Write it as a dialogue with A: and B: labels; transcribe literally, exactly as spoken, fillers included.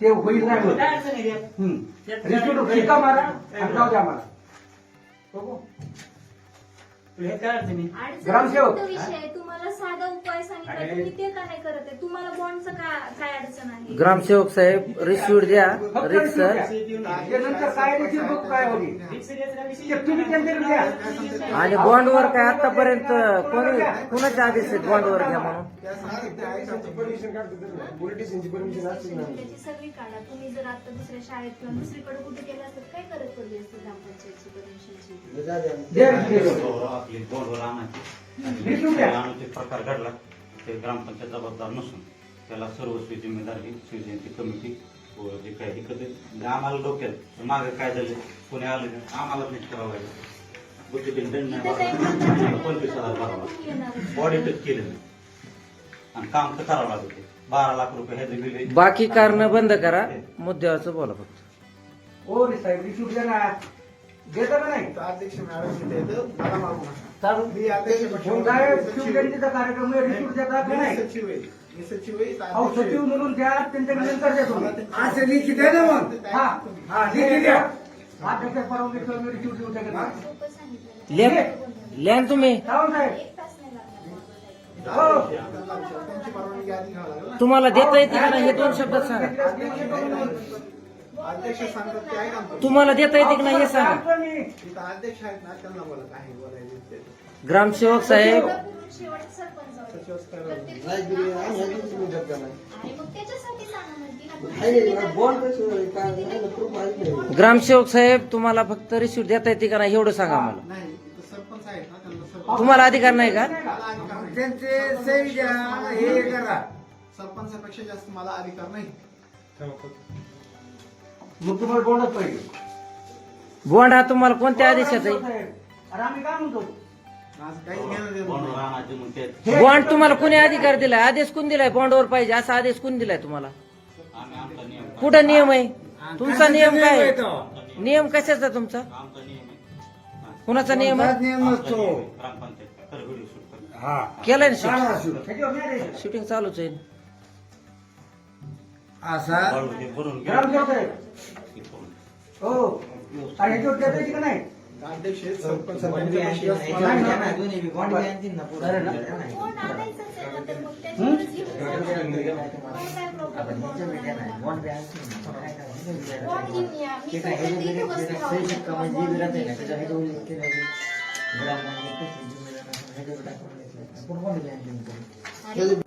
A: ते होईल नाही होत. हम्म. रिसिप्ट शिक्का मारा आणि जाऊ द्या मला. बघू. ग्रामसेवक
B: विषय तुम्हाला साधा उपाय सांगितला तुम्ही ते का नाही करत आहे? तुम्हाला बॉन्डचं काय अडचण आहे?
C: ग्रामसेवक साहेब रिसिप्ट द्या.
A: फक्त
C: रिक्स
A: रिसिप्ट द्या. त्यानंतर काय रिसिप्ट बघू काय होईल ते तुम्ही त्यांच्याकडे द्या.
C: आणि बॉन्डवर काय आतापर्यंत कोणी कुणाचे आदेश आहेत बॉन्डवर घ्या म्हणून?
B: त्याची सगळी काढा. तुम्ही जर आता दुसऱ्या शाळेत किंवा दुसरीकडे कुठे गेला असतात काय करत पडली असते ग्रामपंचायतची परमिशनची?
A: द्या रिसिप्ट.
D: आपली बोर्डवर आणायची
A: रिसिप्ट द्या.
D: आणून प्रकार घडला ते ग्रामपंचायत जबाबदार नसून त्याला सर्वस्वी जिम्मेदारी शिवजयंती कमिटी व जे काही इकडे म्हणजे आम्हाला डोक्यात मागे काय झालं कोणी आलं नाही, आम्हाला नाही करावं लागेल बुद्धिबीन दंड नाही भरावा, पंचवीस हजार भरावा, बॉडी टच केलं नाही आणि काम तर करावं लागतं. बारा लाख रुपये ह्याचे बिल
C: बाकी कारण बंद करा, मुद्द्याचं बोला फक्त.
A: हो रे साहेब रिसिप्ट द्या ना. देता का नाही?
E: अध्यक्ष मॅडम इथे येतं, मला मागू नका.
A: चालू.
E: मी अध्यक्ष
A: मग काय शिवजयंतीचा कार्यक्रम आहे, रिसिप्ट देता का
E: मी
A: नाही?
E: सचिव आहे. मी सचिव आहे.
A: अहो सचिव म्हणून द्या त्यांच्याकडे नंतर द्या तुम्ही.
E: असं लिखित आहे ना मग.
A: हा हा लिखित द्या. अध्यक्ष परवानगी मी रिसिप्ट देऊ शकत नाही.
B: सोपं सांगितलं.
C: लिहा लिहा ना तुम्ही.
A: राव साहेब
B: एक तास नाही लागणार.
A: हो.
E: त्यांची परवानगी आधी घ्यावं लागेल ना.
C: तुम्हाला देता येते का नाही हे दोन शब्दात सांगा.
E: अध्यक्ष सांगतात ते ऐका ना.
C: तुम्हाला देता येते की नाही हे सांगा.
E: इथं अध्यक्ष आहेत ना त्यांना बोला काय बोलायचं ते.
C: ग्रामसेवक साहेब
B: शेवट सरपंच होते.
E: सचिव असं
B: तर ते-
E: काय
B: आणि मग त्याच्यासाठी सांगा म्हणते ना.
C: ग्रामसेवक साहेब तुम्हाला फक्त रिसिप्ट देता येते का नाही एवढं सांगा मला.
E: नाही इथं सरपंच आहेत ना त्यांना सरपंच
C: तुम्हाला अधिकार नाही का?
E: मला अधिकार नाही.
A: त्यांचे सही द्या हे करा.
E: सरपंचापेक्षा जास्त मला अधिकार नाही.
A: मग तुम्हाला बोलत पाहिजे.
C: बॉन्ड हा तुम्हाला कोणत्या आदेशात आहे?
A: अरे आम्ही काय म्हणतो
E: माझं काही घेणं देणं
D: बोर्डवर
E: नाही.
D: आणायचे मग ते
C: बॉन्ड तुम्हाला कोणी अधिकार दिलाय? आदेश कोण दिलाय बॉन्डवर पाहिजे असा आदेश कोण दिलाय तुम्हाला?
D: आम्ही आमचा नियम
C: कुठं नियम आहे तुमचा? नियम काय आहे? नियम कशाचा तुमचा?
D: आमचा नियम आहे
C: कुणाचा नियम आहे?
D: आमचा नियम आहे. ग्रामपंचायत तर व्हिडिओ शूट करतो.
C: केलाय ना शूटिंग?
A: त्याच्यावर नाही द्यायचं.
C: शूटिंग चालूच आहे.
D: बॉर्डवर ते भरून घ्या.
A: ग्रामसेवक साहेब
D: ते करून.
A: हो आणि ह्याच्यावर देता येते का नाही?
E: अध्यक्ष आहेत, सरपंच सरपंचापेक्षा जास्त मला अधिकार नाही.
B: कोण आणायचंच आहे ना, तर मग त्याच्यावरच घेऊन जा. कोण काय problem? बॉन्ड घेऊन या. मी फक्त तिथे बसते राहू. बॉन्ड घेऊन या.